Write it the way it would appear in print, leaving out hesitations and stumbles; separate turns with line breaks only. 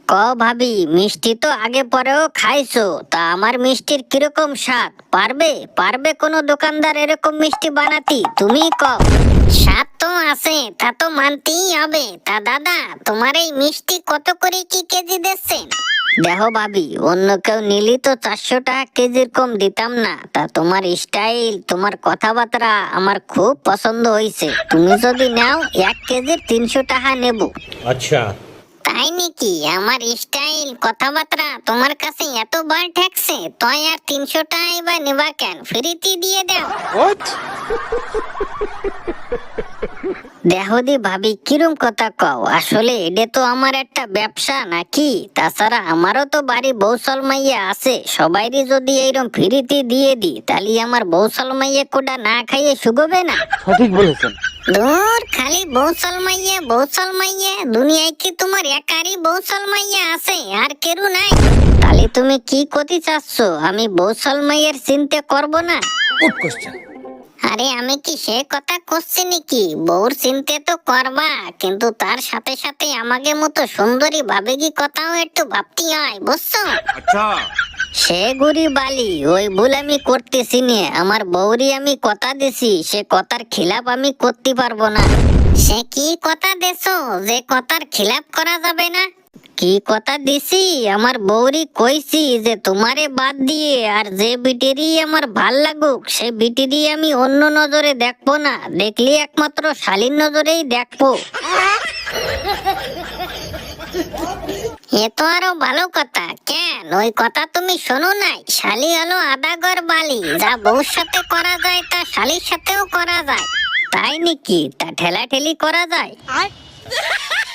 ক ভাবি, মিষ্টি তো আগে পরেও খাইছো, তা আমার মিষ্টির কিরকম স্বাদ? পারবে পারবে কোনো দোকানদার এরকম মিষ্টি বানাতি? তুমি কও। স্বাদ তো আছে, তা তো মানতেই হবে। তা দাদা, তোমার এই মিষ্টি কত করে কি কেজি দিচ্ছেন? দেখো ভাবি, অন্য কেউ নিলি তো 400 টাকা কেজির কম দিতাম না। তা তোমার স্টাইল, তোমার কথাবার্তা আমার খুব পছন্দ হয়েছে। তুমি যদি নাও 1 কেজির 300 টাকা নেব।
अच्छा।
তাই নাকি? আমার স্টাইল কথাবার্তা তোমার কাছে এত বার ঠেকছে, তাই আর 300 টাকাই বা নেবা কেন? ফ্রিতে দিয়ে দাও। দেখো দি ভাবি, কিরম কথা কও? আসলে এটা তো আমার একটা ব্যবসা নাকি? তাছাড়া আমারও তো বাড়ি বৌসল মাইয়া আছে। সবাইরই যদি এইরকম ফ্রিতে দিয়ে দি, তাহলে আমার বৌসল মাইয়া কোটা না খাইয়ে শুগবে না?
সঠিক বলেছেন।
দূর, খালি বৌসল মাইয়া বৌসল মাইয়া। দুনিয়ায় কি তোমার একারই বৌসল মাইয়া আছে, আর কেউ নাই? তাহলে তুমি কি করতে চাচ্ছ? আমি বৌসল মাইয়ের চিন্তা করব না?
Good question.
আরে আমি কি সে কথা করছি নাকি? বউর চিন্তা তো করবা, কিন্তু তার সাথে সাথে আমাকে মতো সুন্দরী ভাবেগি কথাও একটু ভাবতে হয়, বুঝছো?
আচ্ছা।
সে গুড়ি বালি, ওই ভুল আমি করতেছি নে। আমার বউরি আমি কথা দিছি, সে কথার খিলাপ আমি করতে পারবো না। সে কি কথা দেছো যে কথার খিলাপ করা যাবে না? কি কথা দিছি? আমার বউরি কইছি যে তোমারে বাদ দিয়ে আর যে বিটিরই আমার ভাল লাগুক, সে বিটিরই আমি অন্য নজরে দেখবো না। দেখলি একমাত্র শালীর নজরেই দেখবো। এ তো আরো ভালো কথা। কেন, ওই কথা তুমি শোনো নাই? শালী হলো আদাগর বালি, যা বউর সাথে করা যায় তা শালীর সাথেও করা যায়। তাই নাকি? তা ঠেলাঠেলি করা যায়?